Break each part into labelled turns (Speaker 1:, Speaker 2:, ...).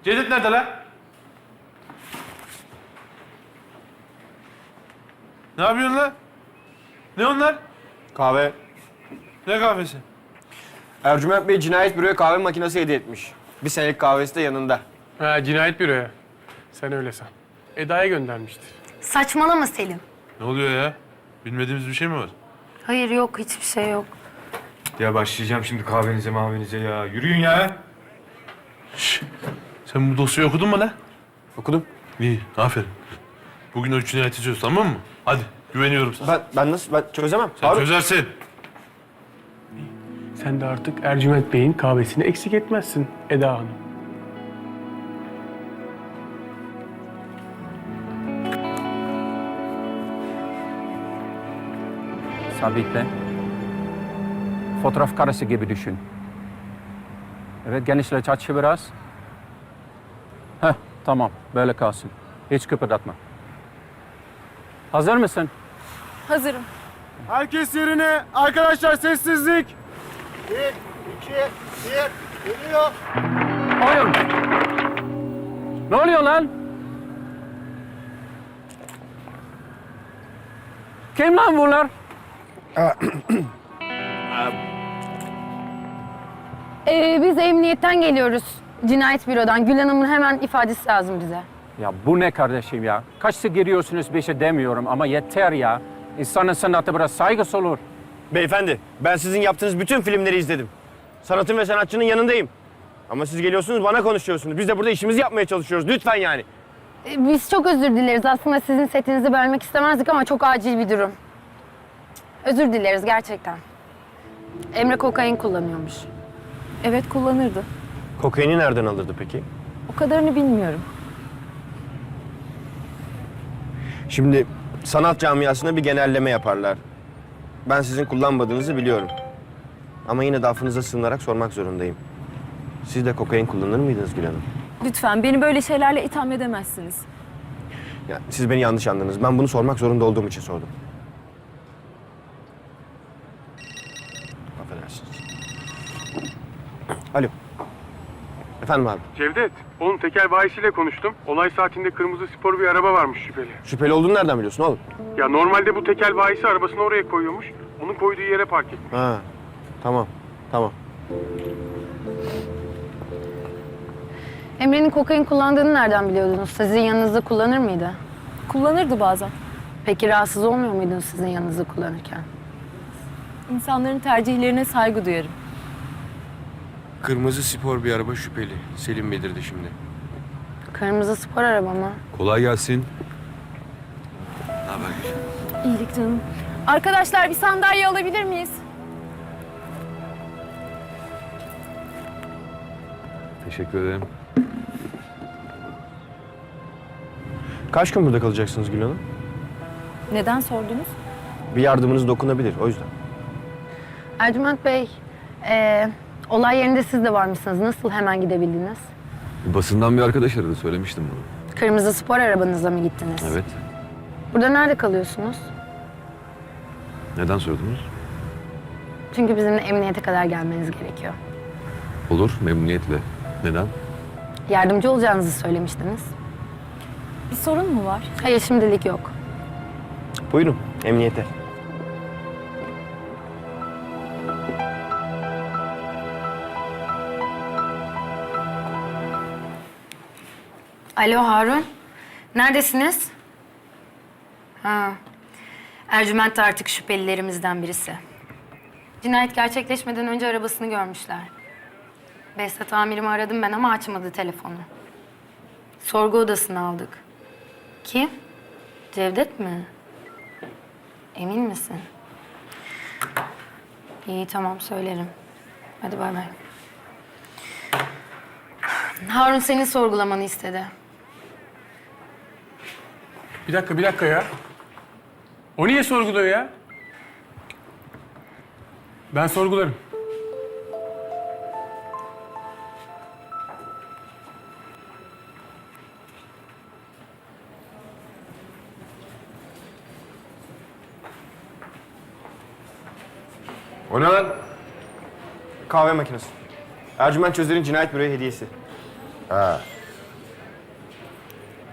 Speaker 1: Cevdet nerede lan? Ne yapıyorsun lan? Ne onlar?
Speaker 2: Kahve.
Speaker 1: Ne kahvesi?
Speaker 2: Ercüment Bey cinayet büroya kahve makinesi hediye etmiş. Bir senelik kahvesi de yanında.
Speaker 3: Ha, cinayet büroya. Sen öyle san. Eda'ya göndermiştir.
Speaker 4: Saçmalama Selim.
Speaker 1: Ne oluyor ya? Bilmediğimiz bir şey mi var?
Speaker 4: Hayır yok hiçbir şey yok.
Speaker 5: Ya başlayacağım şimdi kahvenize mahvenize ya. Yürüyün ya.
Speaker 1: Şş, sen bu dosyayı okudun mu lan?
Speaker 2: Okudum.
Speaker 1: İyi, aferin. Bugün o cinayeti çöz, tamam mı? Hadi, güveniyorum sana.
Speaker 2: Ben çözemem.
Speaker 1: Sen
Speaker 2: Harun.
Speaker 1: çözersin.
Speaker 3: Sen de artık Ercüment Bey'in kahvesini eksik etmezsin Eda Hanım.
Speaker 6: Sabitle. Fotoğraf karesi gibi düşün. Evet, genişlet açı biraz. Heh, tamam. Böyle kalsın. Hiç kıpırdatma. Hazır mısın?
Speaker 7: Hazırım.
Speaker 2: Herkes yerine. Arkadaşlar sessizlik.
Speaker 6: Oyun! Ne oluyor lan? Kim lan bunlar?
Speaker 4: Biz emniyetten geliyoruz. Cinayet bürodan. Gül Hanım'ın hemen ifadesi lazım bize.
Speaker 6: Ya bu ne kardeşim ya? Kaçta giriyorsunuz bir şey demiyorum ama yeter ya. İnsanın sanatı biraz saygısı olur.
Speaker 2: Beyefendi, ben sizin yaptığınız bütün filmleri izledim. Sanatın ve sanatçının yanındayım. Ama siz geliyorsunuz bana konuşuyorsunuz. Biz de burada işimizi yapmaya çalışıyoruz. Lütfen yani.
Speaker 4: Biz çok özür dileriz. Aslında sizin setinizi bölmek istemezdik ama çok acil bir durum. Özür dileriz gerçekten. Emre kokain kullanıyormuş.
Speaker 7: Evet kullanırdı.
Speaker 2: Kokaini nereden alırdı peki?
Speaker 7: O kadarını bilmiyorum.
Speaker 2: Şimdi sanat camiasına bir genelleme yaparlar. Ben sizin kullanmadığınızı biliyorum. Ama yine de affınıza sığınarak sormak zorundayım. Siz de kokain kullanır mıydınız Gül Hanım?
Speaker 7: Lütfen beni böyle şeylerle itham edemezsiniz.
Speaker 2: Ya, siz beni yanlış anladınız. Ben bunu sormak zorunda olduğum için sordum. Affedersiniz. Alo. Efendim abi.
Speaker 3: Cevdet, oğlum tekel bayisiyle konuştum. Olay saatinde kırmızı spor bir araba varmış şüpheli.
Speaker 2: Şüpheli olduğunu nereden biliyorsun oğlum?
Speaker 3: Ya normalde bu tekel bayisi arabasını oraya koyuyormuş. Onun koyduğu yere park etmiş.
Speaker 2: Ha, tamam. Tamam.
Speaker 4: Emre'nin kokain kullandığını nereden biliyordunuz? Sizin yanınızda kullanır mıydı?
Speaker 7: Kullanırdı bazen.
Speaker 4: Peki rahatsız olmuyor muydunuz sizin yanınızda kullanırken?
Speaker 7: İnsanların tercihlerine saygı duyarım.
Speaker 2: Kırmızı spor bir araba şüpheli. Selim bildirdi şimdi.
Speaker 4: Kırmızı spor araba mı?
Speaker 5: Kolay gelsin.
Speaker 7: İyilik canım. Arkadaşlar bir sandalye alabilir miyiz?
Speaker 5: Teşekkür ederim.
Speaker 2: Kaç gün burada kalacaksınız Gül Hanım?
Speaker 7: Neden sordunuz?
Speaker 2: Bir yardımınız dokunabilir, o yüzden.
Speaker 4: Ercüment Bey, olay yerinde siz de varmışsınız. Nasıl hemen gidebildiniz?
Speaker 5: Basından bir arkadaş aradı, söylemiştim bunu.
Speaker 4: Kırmızı spor arabanızla mı gittiniz?
Speaker 5: Evet.
Speaker 4: Burada nerede kalıyorsunuz?
Speaker 5: Neden sordunuz?
Speaker 4: Çünkü bizimle emniyete kadar gelmeniz gerekiyor.
Speaker 5: Olur, memnuniyetle. Neden?
Speaker 4: Yardımcı olacağınızı söylemiştiniz.
Speaker 7: Bir sorun mu var?
Speaker 4: Hayır, şimdilik yok.
Speaker 2: Buyurun, emniyete.
Speaker 4: Alo Harun, neredesiniz? Ha, Ercüment de artık şüphelilerimizden birisi. Cinayet gerçekleşmeden önce arabasını görmüşler. Behzat amirimi aradım ben ama açmadı telefonu. Sorgu odasına aldık. Kim? Cevdet mi? Emin misin? İyi tamam söylerim. Hadi bay bay. Harun senin sorgulamanı istedi.
Speaker 3: Bir dakika ya. O niye sorguluyor ya? Ben sorgularım.
Speaker 2: O ne lan? Kahve makinesi. Ercüment Çözer'in cinayet büroya hediyesi.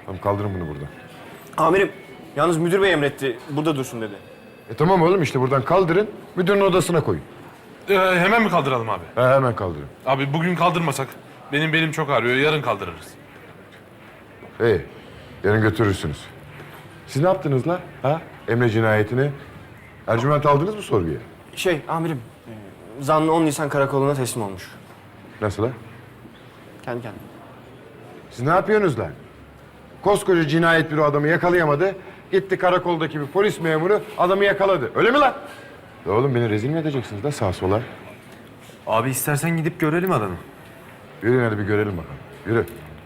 Speaker 8: Tamam kaldırın bunu buradan.
Speaker 2: Amirim, yalnız müdür bey emretti. Burada dursun dedi.
Speaker 8: Tamam oğlum işte buradan kaldırın. Müdürün odasına koyun.
Speaker 1: Hemen mi kaldıralım abi?
Speaker 8: Hemen kaldırın.
Speaker 1: Abi bugün kaldırmasak benim belim çok ağrıyor. Yarın kaldırırız.
Speaker 8: İyi. Yarın götürürsünüz. Siz ne yaptınız la? Ha? Emre cinayetini. Ercüment aldınız mı sorguya?
Speaker 2: Amirim, zanlı 10 Nisan karakoluna teslim olmuş.
Speaker 8: Nasıl ha?
Speaker 2: Kendi kendine.
Speaker 8: Siz ne yapıyorsunuz lan? Koskoca cinayet büro adamı yakalayamadı. Gitti karakoldaki bir polis memuru adamı yakaladı. Öyle mi lan? Ya oğlum beni rezil mi edeceksiniz da sağa sola?
Speaker 5: Abi istersen gidip görelim adamı.
Speaker 8: Yürüyün hadi bir görelim bakalım. Yürü.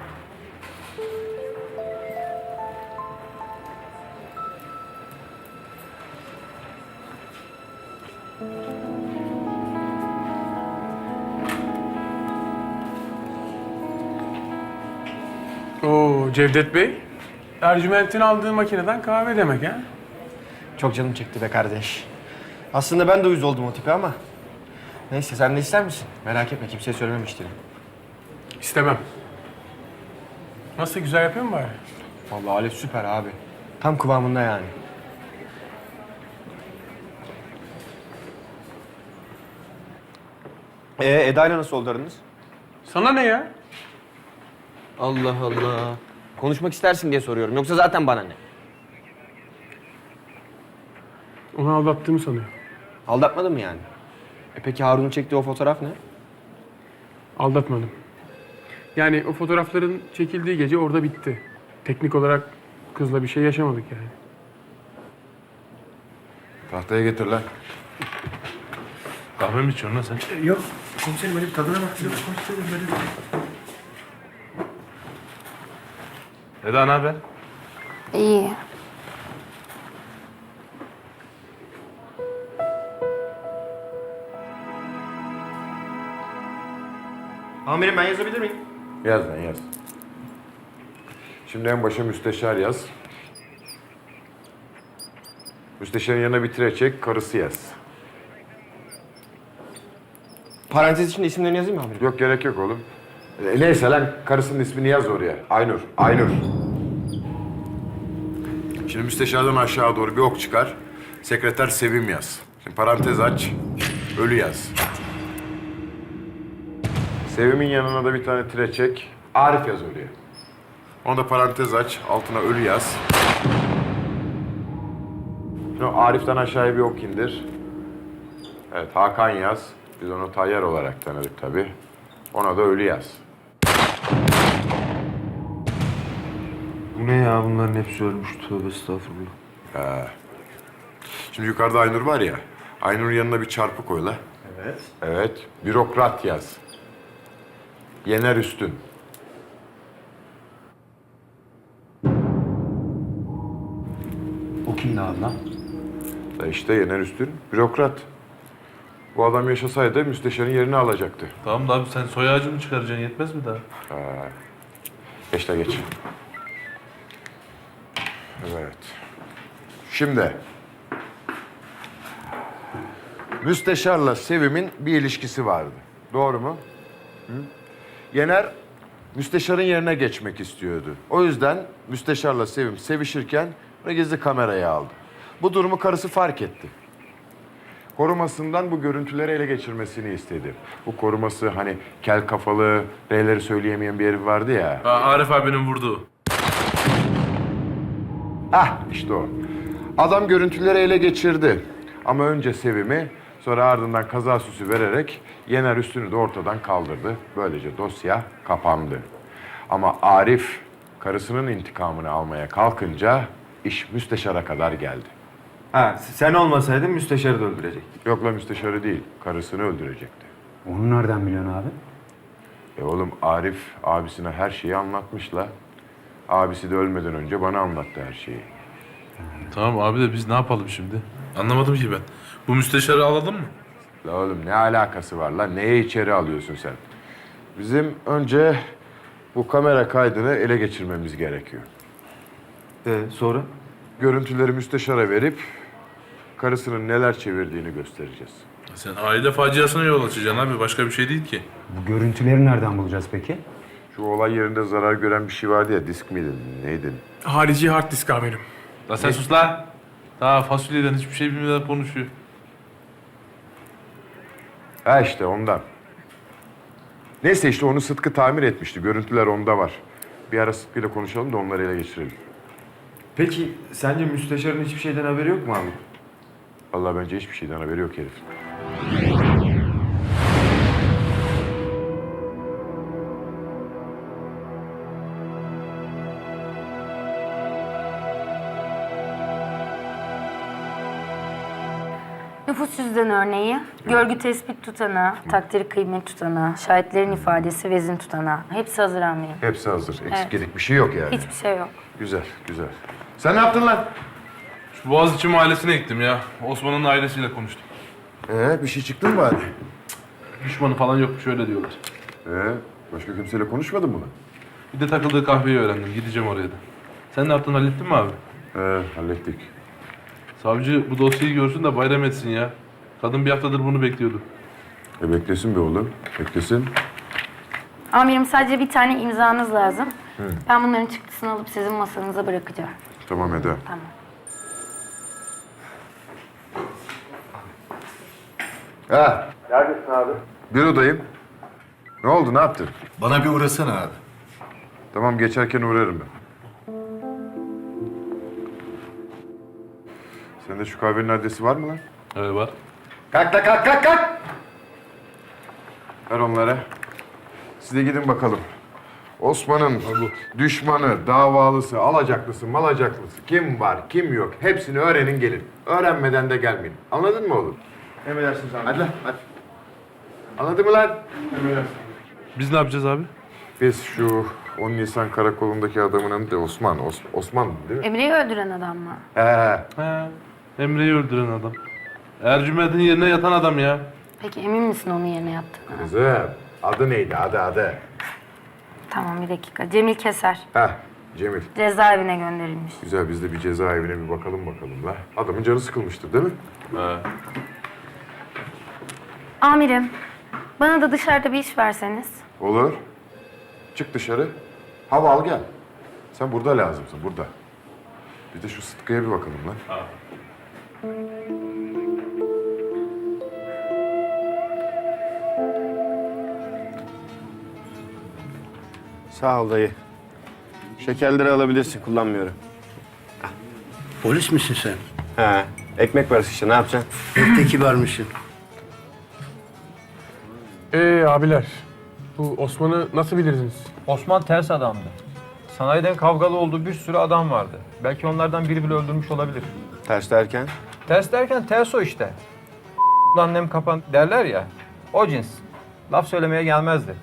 Speaker 3: Oo Cevdet Bey. Ercüment'in aldığı makineden kahve demek ha?
Speaker 2: Çok canım çekti be kardeş. Aslında ben de uyuz oldum o tipe ama. Neyse sen de ister misin? Merak etme kimseye söylememiştir.
Speaker 3: İstemem. Nasıl güzel yapıyor mu bari?
Speaker 2: Vallahi alet süper abi. Tam kıvamında yani. Eda'yla nasıl oldu aranız?
Speaker 3: Sana ne ya?
Speaker 2: Allah Allah. Konuşmak istersin diye soruyorum. Yoksa zaten bana ne?
Speaker 3: Onu aldattığımı sanıyor.
Speaker 2: Aldatmadın mı yani? Peki Harun'un çektiği o fotoğraf ne?
Speaker 3: Aldatmadım. Yani o fotoğrafların çekildiği gece orada bitti. Teknik olarak kızla bir şey yaşamadık yani.
Speaker 8: Tahtaya getir lan.
Speaker 1: Kahve mi içiyorsun lan sen?
Speaker 5: Yok komiserim öyle bir tadına bak.
Speaker 1: Eda ne haber?
Speaker 4: İyi.
Speaker 2: Amirim ben yazabilir miyim?
Speaker 8: Yaz lan yaz. Şimdi en başa müsteşar yaz. Müsteşarın yanına bir tire çek, karısı yaz.
Speaker 2: Parantez içinde isimlerini yazayım mı amirim?
Speaker 8: Yok gerek yok oğlum. Neyse lan karısının ismini yaz oraya. Aynur, Aynur. Şimdi müsteşardan aşağı doğru bir ok çıkar. Sekreter Sevim yaz. Şimdi parantez aç, ölü yaz. Sevim'in yanına da bir tane tire çek. Arif yaz oraya. Onu da parantez aç, altına ölü yaz. Şimdi o Arif'ten aşağıya bir ok indir. Evet, Hakan yaz. Biz onu Tayyar olarak tanıdık tabii. Ona da ölü yaz.
Speaker 5: Bu ne ya bunların hepsi ölmüş tövbe estağfurullah.
Speaker 8: Şimdi yukarıda Aynur var ya. Aynur'un yanına bir çarpı koy la. Evet. Evet. Bürokrat yaz. Yener Üstün.
Speaker 6: O kimdi abi lan?
Speaker 8: İşte Yener Üstün, bürokrat. Bu adam yaşasaydı müsteşarın yerini alacaktı.
Speaker 1: Tamam da abi sen soy ağacı mı çıkaracaksın? Yetmez mi daha?
Speaker 8: Geç de geç. Evet. Şimdi. Müsteşarla Sevim'in bir ilişkisi vardı. Doğru mu? Hı? Yener müsteşarın yerine geçmek istiyordu. O yüzden müsteşarla Sevim sevişirken onu gizli kameraya aldı. Bu durumu karısı fark etti. Korumasından bu görüntüleri ele geçirmesini istedi. Bu koruması hani kel kafalı, R'leri söyleyemeyen bir herif vardı ya.
Speaker 1: Arif abinin vurduğu.
Speaker 8: İşte o. Adam görüntüleri ele geçirdi. Ama önce Sevim'i, sonra ardından kaza süsü vererek Yener Üstün'ü de ortadan kaldırdı. Böylece dosya kapandı. Ama Arif karısının intikamını almaya kalkınca iş müsteşara kadar geldi.
Speaker 5: Ha sen olmasaydın müsteşarı da öldürecek.
Speaker 8: Yok la müsteşarı değil, karısını öldürecekti.
Speaker 6: Onu nereden biliyorsun abi?
Speaker 8: Oğlum Arif abisine her şeyi anlatmış la. Abisi de ölmeden önce bana anlattı her şeyi.
Speaker 1: Tamam abi de biz ne yapalım şimdi? Anlamadım ki ben. Bu müsteşarı alalım mı?
Speaker 8: La oğlum ne alakası var la? Neye içeri alıyorsun sen? Bizim önce bu kamera kaydını ele geçirmemiz gerekiyor.
Speaker 5: Sonra?
Speaker 8: Görüntüleri müsteşara verip karısının neler çevirdiğini göstereceğiz.
Speaker 1: Sen aile faciasına yol açacaksın abi. Başka bir şey değil ki.
Speaker 6: Bu görüntüleri nereden bulacağız peki?
Speaker 8: Şu olay yerinde zarar gören bir şey vardı ya, disk miydi, neydi?
Speaker 3: Harici hard disk amirim.
Speaker 1: La sen sus la. Daha fasulyeden hiçbir şey bilmeden konuşuyor.
Speaker 8: Ha işte ondan. Neyse işte onu Sıtkı tamir etmişti. Görüntüler onda var. Bir ara Sıtkı'yla konuşalım da onları ele geçirelim.
Speaker 5: Peki sence müsteşarın hiçbir şeyden haberi yok mu abi?
Speaker 8: Vallahi bence hiçbir şeyden haberi yok herif.
Speaker 4: Nüfus cüzdan örneği, görgü tespit tutanağı, takdiri kıymet tutanağı, şahitlerin ifadesi, vezin tutanağı. Hepsi hazır amirim.
Speaker 8: Hepsi hazır. Eksik
Speaker 4: Evet.
Speaker 8: gedik bir şey yok yani.
Speaker 4: Hiçbir şey yok.
Speaker 8: Güzel, güzel. Sen ne yaptın lan?
Speaker 1: Şu Boğaziçi mahallesine gittim ya. Osman'ın ailesiyle konuştum.
Speaker 8: Bir şey çıktı mı bari?
Speaker 1: Düşmanı falan yokmuş öyle diyorlar.
Speaker 8: Başka kimseyle konuşmadın mı lan?
Speaker 1: Bir de takıldığı kahveyi öğrendim. Gideceğim oraya da. Sen ne yaptın, hallettin mi abi?
Speaker 8: Hallettik.
Speaker 1: Savcı bu dosyayı görsün de bayram etsin ya. Kadın bir haftadır bunu bekliyordu.
Speaker 8: Beklesin be oğlum, beklesin.
Speaker 4: Amirim sadece bir tane imzanız lazım. Ben bunların çıktısını alıp sizin masanıza bırakacağım.
Speaker 8: Tamam Eda.
Speaker 4: Tamam.
Speaker 8: Ha. Neredesin abi? Bürodayım. Ne oldu, ne yaptın?
Speaker 9: Bana bir uğrasana abi.
Speaker 8: Tamam, geçerken uğrarım ben. Sende şu kahvenin adresi var mı lan?
Speaker 1: Evet var.
Speaker 8: Kalk la kalk kalk kalk! Ver onlara. Siz de gidin bakalım. Osman'ın düşmanı, davalısı, alacaklısı, malacaklısı kim var, kim yok hepsini öğrenin gelin. Öğrenmeden de gelmeyin. Anladın mı oğlum?
Speaker 2: Emredersiniz amirim.
Speaker 8: Hadi lan hadi. Anladın mı lan?
Speaker 1: Biz ne yapacağız abi?
Speaker 8: Biz şu 10 Nisan karakolundaki adamın adı da Osman. Osman değil mi?
Speaker 4: Emre'yi öldüren adam mı?
Speaker 8: He.
Speaker 1: He. Emre'yi öldüren adam. Ercüment'in yerine yatan adam ya.
Speaker 4: Peki emin misin onun yerine yaptığını?
Speaker 8: Kızım, adı neydi? Adı.
Speaker 4: Tamam bir dakika. Cemil Keser.
Speaker 8: Heh, Cemil.
Speaker 4: Cezaevine gönderilmiş.
Speaker 8: Güzel, biz de bir cezaevine bir bakalım la. Adamın canı sıkılmıştır değil mi?
Speaker 1: He.
Speaker 4: Amirim, bana da dışarıda bir iş verseniz.
Speaker 8: Olur. Çık dışarı. Hava al gel. Sen burada lazımsın, burada. Bir de şu Sıtkı'ya bir bakalım lan.
Speaker 2: Sağ ol dayı. Şekerleri alabilirsin, kullanmıyorum.
Speaker 9: Polis misin sen?
Speaker 2: He. Ekmek parası işte, ne yapacaksın?
Speaker 9: Pek de kibarmışsın.
Speaker 3: Abiler, bu Osman'ı nasıl bilirsiniz?
Speaker 6: Osman ters adamdı. Sanayiden kavgalı olduğu bir sürü adam vardı. Belki onlardan biri bile öldürmüş olabilir.
Speaker 2: Ters derken?
Speaker 6: Ters derken ters o işte. Annem kapan derler ya. O cins. Laf söylemeye gelmezdi.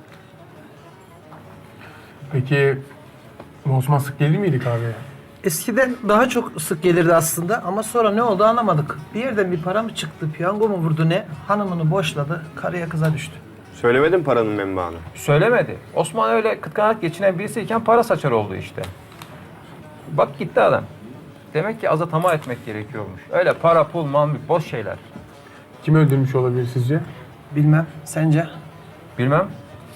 Speaker 3: Peki bu Osman sık gelir miydi kahveye?
Speaker 10: Eskiden daha çok sık gelirdi aslında ama sonra ne oldu anlamadık. Bir yerden bir para mı çıktı, piyango mu vurdu ne? Hanımını boşladı, karıya kıza düştü.
Speaker 2: Söylemedin paranın menbaını.
Speaker 6: Söylemedi. Osman öyle kıtkanarak geçinen birisiyken para saçar oldu işte. Bak gitti adam. Demek ki aza tamah etmek gerekiyormuş. Öyle para, pul, mal, mülk, boş şeyler.
Speaker 3: Kim öldürmüş olabilir sizce?
Speaker 10: Bilmem, sence?
Speaker 6: Bilmem.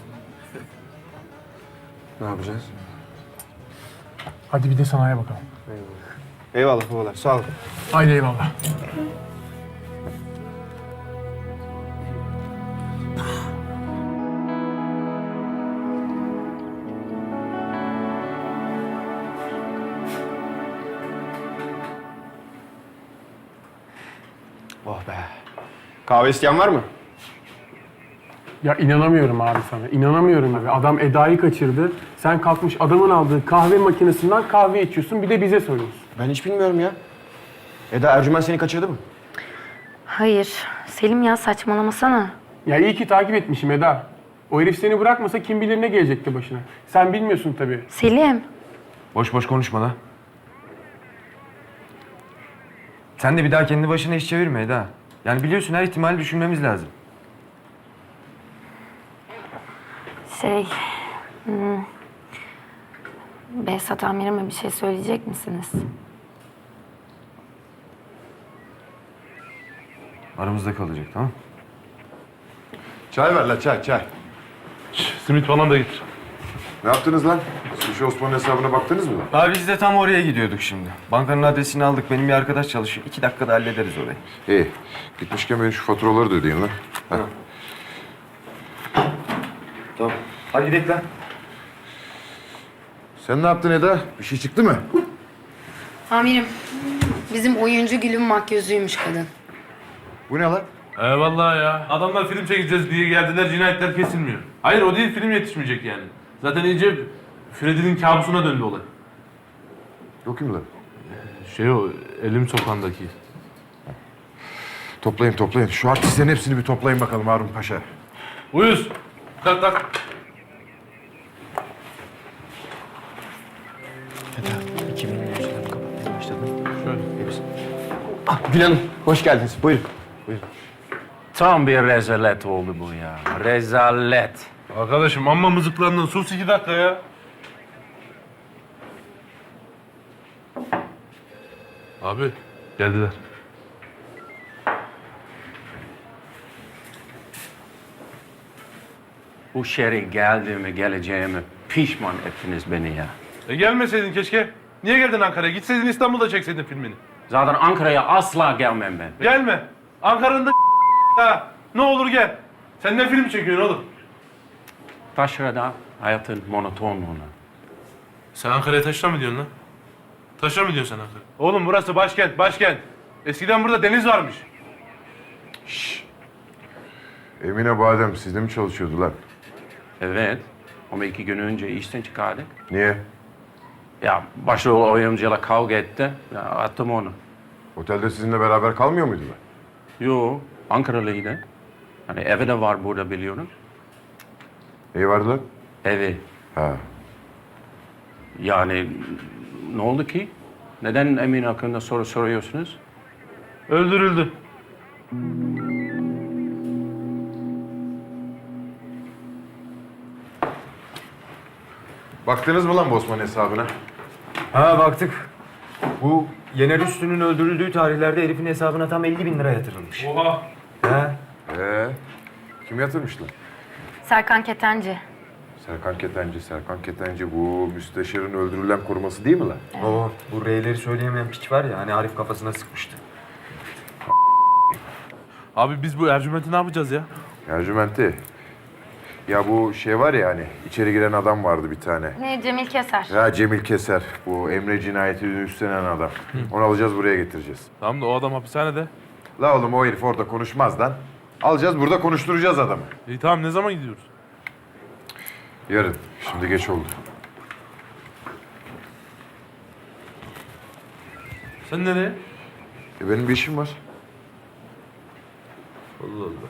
Speaker 2: Ne yapacağız?
Speaker 3: Hadi bir de sanayiye bakalım.
Speaker 2: Eyvallah babalar, sağ ol.
Speaker 3: Haydi eyvallah.
Speaker 2: Oh be. Kahve isteyen var mı?
Speaker 3: Ya inanamıyorum abi sana. İnanamıyorum abi. Adam Eda'yı kaçırdı. Sen kalkmış adamın aldığı kahve makinesinden kahve içiyorsun. Bir de bize soruyorsun.
Speaker 2: Ben hiç bilmiyorum ya. Eda, Ercüment seni kaçırdı mı?
Speaker 4: Hayır. Selim ya saçmalamasana.
Speaker 3: Ya iyi ki takip etmişim Eda. O herif seni bırakmasa kim bilir ne gelecekti başına. Sen bilmiyorsun tabii.
Speaker 4: Selim.
Speaker 5: Boş boş konuşma la. Sen de bir daha kendi başına iş çevirme Eda. Yani biliyorsun her ihtimali düşünmemiz lazım.
Speaker 4: Behzat amirime bir şey söyleyecek misiniz?
Speaker 5: Aramızda kalacak, tamam?
Speaker 8: Çay ver la, çay.
Speaker 1: Simit falan da getir.
Speaker 8: Ne yaptınız lan? Sushi Osman'ın hesabına baktınız mı lan?
Speaker 5: Abi biz de tam oraya gidiyorduk şimdi. Bankanın adresini aldık. Benim bir arkadaş çalışıyor. 2 dakikada hallederiz orayı.
Speaker 8: İyi. Gitmişken benim şu faturaları da ödeyin lan.
Speaker 5: Tamam. Hadi gidelim lan.
Speaker 8: Sen ne yaptın Eda? Bir şey çıktı mı?
Speaker 4: Amirim, bizim oyuncu Gül'ün makyözüymüş kadın.
Speaker 8: Bu ne lan?
Speaker 1: Eyvallah ya. Adamlar film çekeceğiz diye geldiler, cinayetler kesilmiyor. Hayır o değil, film yetişmeyecek yani. Zaten iyice Freddy'nin kabusuna döndü olay.
Speaker 8: Yok kim lan?
Speaker 1: Şey o, Elim Sokağı'ndaki.
Speaker 8: Toplayın. Şu artistlerin hepsini bir toplayın bakalım Harun Paşa.
Speaker 1: Uyuz. Tak.
Speaker 2: Gül Hanım, hoş geldiniz. Buyurun.
Speaker 6: Tam bir rezalet oldu bu ya. Rezalet.
Speaker 1: Arkadaşım amma mızıklandın. Sus 2 dakika ya. Abi geldiler.
Speaker 6: Bu şehre geldiğimi, geleceğimi pişman ettiniz beni ya.
Speaker 1: Gelmeseydin keşke. Niye geldin Ankara'ya? Gitseydin İstanbul'da çekseydin filmini.
Speaker 6: Zaten Ankara'ya asla gelmem ben.
Speaker 1: Gelme. Ankara'nın da ha. Ne olur gel. Sen ne film çekiyorsun oğlum?
Speaker 6: Taşra'da hayatın monotonluğuna.
Speaker 1: Sen Ankara'ya taşra mı diyorsun lan? Taşra mı diyorsun sen Ankara? Oğlum burası başkent. Eskiden burada deniz varmış.
Speaker 8: Emine Badem sizde mi çalışıyordu lan?
Speaker 6: Evet. Ama 2 gün önce işten çıkardık.
Speaker 8: Niye?
Speaker 6: Ya başrol oyuncuyla kavga etti. Ya attım onu.
Speaker 8: Otelde sizinle beraber kalmıyor muydular?
Speaker 6: Yo, Ankaralıydı. Hani evi de var burada biliyorum.
Speaker 8: İyi vardı lan?
Speaker 6: Evi.
Speaker 8: Ha.
Speaker 6: Yani ne oldu ki? Neden Emin hakkında soru soruyorsunuz?
Speaker 1: Öldürüldü.
Speaker 8: Baktınız mı lan bu Osman hesabına?
Speaker 5: Ha baktık. Bu Yener Üstü'nün öldürüldüğü tarihlerde herifin hesabına tam 50.000 lira yatırılmış.
Speaker 1: Oha.
Speaker 5: Ha?
Speaker 8: Kim yatırmış lan?
Speaker 4: Serkan Ketenci.
Speaker 8: Serkan Ketenci bu müsteşarın öldürülen koruması değil mi lan?
Speaker 5: Oo, bu R'leri söyleyemeyen piç var ya hani Arif kafasına sıkmıştı.
Speaker 1: Abi biz bu Ercüment'i ne yapacağız ya?
Speaker 8: Ercüment'i. Ya bu şey var ya hani içeri giren adam vardı bir tane.
Speaker 4: Ne, Cemil Keser.
Speaker 8: Ya Cemil Keser. Bu Emre cinayetini üstlenen adam. Onu alacağız buraya getireceğiz.
Speaker 1: Tamam da o adam hapishanede.
Speaker 8: La oğlum o herif orada konuşmaz lan. Alacağız burada konuşturacağız adamı.
Speaker 1: İyi tamam ne zaman gidiyoruz?
Speaker 8: Yarın. Şimdi geç oldu.
Speaker 1: Sen nereye?
Speaker 8: Benim bir işim var.
Speaker 1: Allah Allah.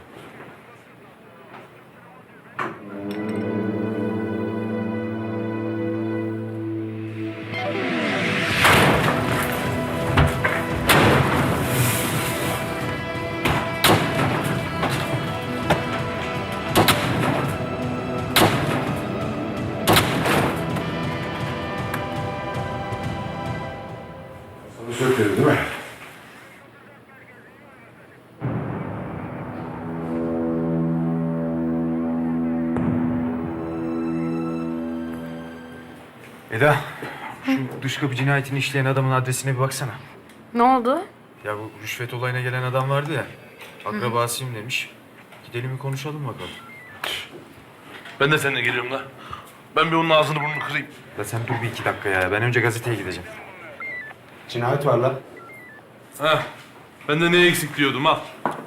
Speaker 8: Sana söyledi değil mi?
Speaker 5: Eda, şu dış kapı cinayetini işleyen adamın adresine bir baksana.
Speaker 4: Ne oldu?
Speaker 5: Ya bu rüşvet olayına gelen adam vardı ya. Akrabasıyım demiş. Gidelim bir konuşalım bakalım.
Speaker 1: Ben de seninle geliyorum la. Ben bir onun ağzını burnunu kırayım.
Speaker 5: Ya sen dur bir 2 dakika ya. Ben önce gazeteye gideceğim.
Speaker 2: Cinayet var lan.
Speaker 1: Heh. Ben de ne eksik diyordum al.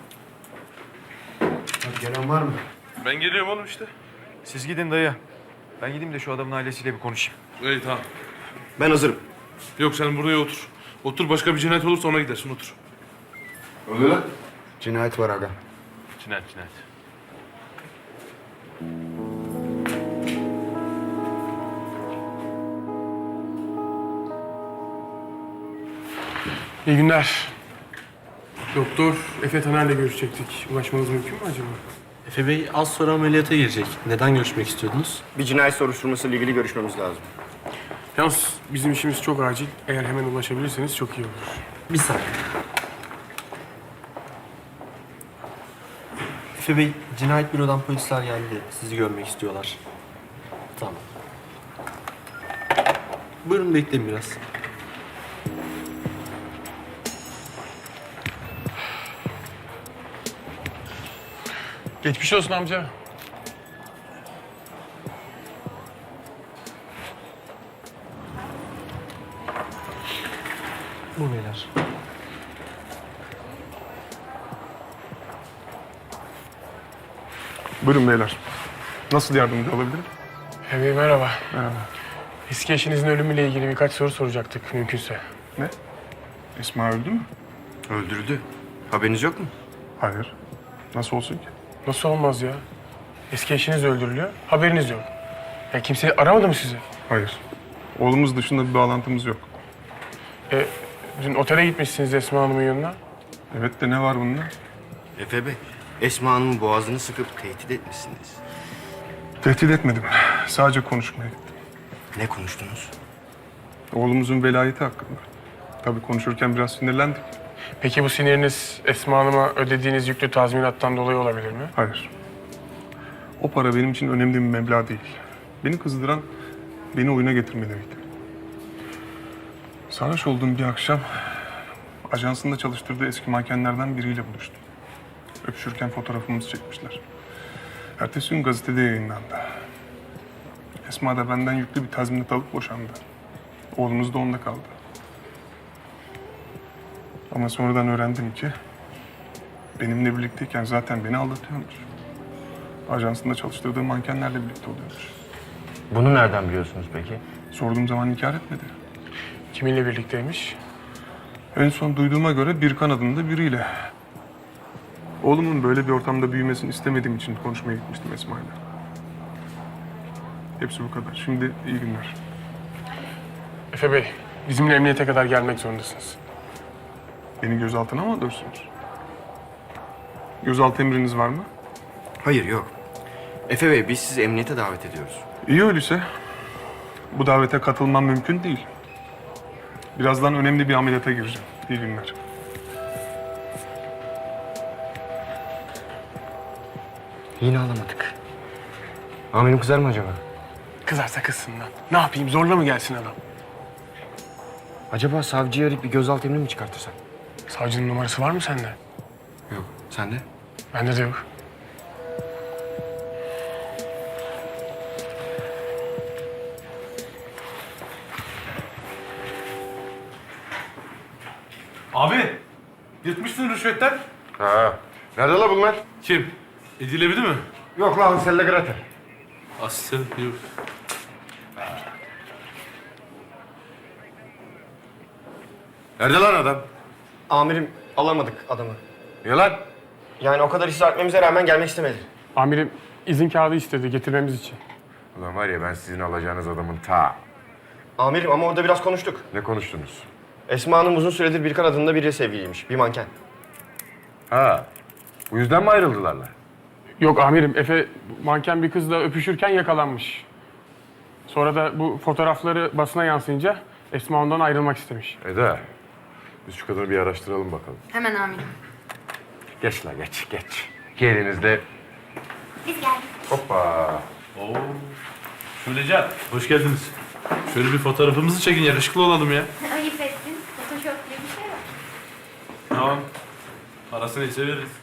Speaker 2: Gelen var mı?
Speaker 1: Ben geliyorum oğlum işte.
Speaker 5: Siz gidin dayı. Ben gideyim de şu adamın ailesiyle bir konuşayım.
Speaker 1: İyi tamam.
Speaker 2: Ben hazırım.
Speaker 1: Yok sen buraya otur. Otur başka bir cinayet olursa ona gidersin otur.
Speaker 8: Ne oluyor lan?
Speaker 2: Cinayet var aga.
Speaker 1: Cinayet.
Speaker 3: İyi günler. Doktor Efe Taner'le görüşecektik. Ulaşmanız mümkün mü acaba?
Speaker 9: Efe Bey az sonra ameliyata girecek. Neden görüşmek istiyordunuz?
Speaker 2: Bir cinayet soruşturması ile ilgili görüşmemiz lazım.
Speaker 3: Yalnız bizim işimiz çok acil. Eğer hemen ulaşabilirseniz çok iyi olur.
Speaker 9: Bir saniye. Efe Bey, cinayet bürodan polisler geldi. Sizi görmek istiyorlar. Tamam. Buyurun bekleyin biraz.
Speaker 3: Geçmiş olsun amca.
Speaker 9: Bu beyler.
Speaker 11: Buyurun beyler. Nasıl yardımcı olabilirim?
Speaker 3: Bey merhaba. Merhaba. Eski eşinizin ölümüyle ilgili birkaç soru soracaktık mümkünse.
Speaker 11: Ne? Esma öldü mü?
Speaker 2: Öldürdü. Haberiniz yok mu?
Speaker 11: Hayır. Nasıl olsun ki?
Speaker 3: Nasıl olmaz ya? Eski eşiniz öldürülüyor, haberiniz yok. Ya kimse aramadı mı sizi?
Speaker 11: Hayır. Oğlumuz dışında bir bağlantımız yok.
Speaker 3: Dün otele gitmişsiniz Esma Hanım'ın yanına.
Speaker 11: Evet de ne var bunda?
Speaker 2: Efe Bey, Esma Hanım'ın boğazını sıkıp tehdit etmişsiniz.
Speaker 11: Tehdit etmedim. Sadece konuşmaya gittim.
Speaker 2: Ne konuştunuz?
Speaker 11: Oğlumuzun velayeti hakkında. Tabii konuşurken biraz sinirlendik.
Speaker 3: Peki bu siniriniz Esma Hanım'a ödediğiniz yüklü tazminattan dolayı olabilir mi?
Speaker 11: Hayır. O para benim için önemli bir meblağ değil. Beni kızdıran beni oyuna getirmeleriydi. Sarhoş olduğum bir akşam ajansında çalıştırdığı eski mankenlerden biriyle buluştum. Öpüşürken fotoğrafımızı çekmişler. Ertesi gün gazetede yayınlandı. Esma da benden yüklü bir tazminat alıp boşandı. Oğlumuz da onda kaldı. Ama sonradan öğrendim ki benimle birlikteyken zaten beni aldatıyormuş. Ajansında çalıştırdığı mankenlerle birlikte oluyormuş.
Speaker 2: Bunu nereden biliyorsunuz peki?
Speaker 11: Sorduğum zaman inkar etmedi.
Speaker 3: Kiminle birlikteymiş?
Speaker 11: En son duyduğuma göre Birkan adında biriyle. Oğlumun böyle bir ortamda büyümesini istemediğim için konuşmaya gitmiştim Esma'yla. Hepsi bu kadar. Şimdi iyi günler.
Speaker 3: Efe Bey, bizimle emniyete kadar gelmek zorundasınız.
Speaker 11: Beni gözaltına mı alıyorsunuz? Gözaltı emriniz var mı?
Speaker 2: Hayır, yok. Efe Bey, biz sizi emniyete davet ediyoruz.
Speaker 11: İyi öyleyse. Bu davete katılmam mümkün değil. Birazdan önemli bir ameliyata gireceğim. İyi günler.
Speaker 2: Yine alamadık. Amirim kızar mı acaba?
Speaker 3: Kızarsa kızsın lan. Ne yapayım, zorla mı gelsin adam?
Speaker 2: Acaba savcıyı arayıp bir gözaltı emri mi çıkartırsak?
Speaker 3: Savcının numarası var mı sende?
Speaker 2: Yok. Sende?
Speaker 3: Bende de yok.
Speaker 1: Abi, yırtmışsın rüşvetten.
Speaker 8: Ha. Nerede la bunlar?
Speaker 1: Kim? Edilebilir mi?
Speaker 8: Yok la Hansel'le Gretel.
Speaker 1: Aslı yok.
Speaker 8: Nerede lan adam?
Speaker 2: Amirim, alamadık adamı.
Speaker 8: Niye lan?
Speaker 2: Yani o kadar ısrar etmemize rağmen gelmek istemedi.
Speaker 3: Amirim izin kağıdı istedi getirmemiz için.
Speaker 8: Ulan var ya ben sizin alacağınız adamın ta.
Speaker 2: Amirim ama orada biraz konuştuk.
Speaker 8: Ne konuştunuz?
Speaker 2: Esma Hanım uzun süredir Birkan adında biriyle sevgiliymiş. Bir manken.
Speaker 8: Ha. Bu yüzden mi ayrıldılar lan?
Speaker 3: Yok amirim, Efe manken bir kızla öpüşürken yakalanmış. Sonra da bu fotoğrafları basına yansıyınca Esma ondan ayrılmak istemiş.
Speaker 8: Eda. Biz şu kadını bir araştıralım bakalım.
Speaker 4: Hemen amirim.
Speaker 8: Geç la geç geç. Gelinizde.
Speaker 4: Biz geldik.
Speaker 8: Hoppa.
Speaker 1: Oo. Şulecan, hoş geldiniz. Şöyle bir fotoğrafımızı çekin, yakışıklı olalım ya.
Speaker 7: Ayıp ettin. Photoshop diye bir şey var.
Speaker 1: Tamam. Parasını ise veririz.